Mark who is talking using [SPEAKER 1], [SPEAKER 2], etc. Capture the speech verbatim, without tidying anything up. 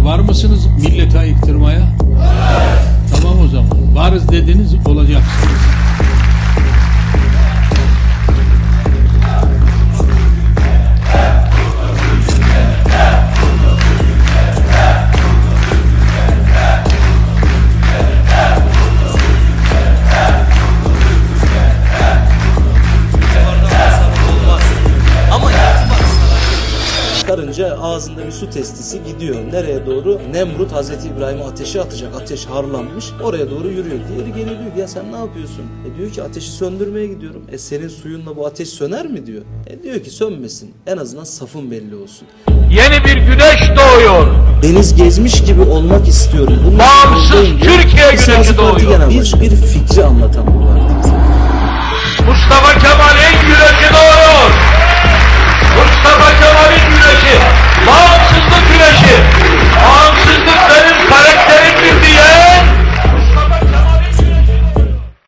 [SPEAKER 1] var mısınız millete ayıktırmaya? Tamam o zaman. Varız dediniz, olacaksınız.
[SPEAKER 2] Karınca ağzında bir su testisi gidiyor. Nereye doğru? Nemrut Hazreti İbrahim'i ateşe atacak. Ateş harlanmış. Oraya doğru yürüyor. Diğeri geliyor diyor ki ya sen ne yapıyorsun? E diyor ki ateşi söndürmeye gidiyorum. E senin suyunla bu ateş söner mi diyor. E diyor ki sönmesin. En azından safın belli olsun.
[SPEAKER 3] Yeni bir güneş doğuyor.
[SPEAKER 2] Deniz gezmiş gibi olmak istiyorum. Bunun
[SPEAKER 3] Bağımsız Türkiye güneşi doğuyor.
[SPEAKER 2] Biz bir fikri anlatan bu var.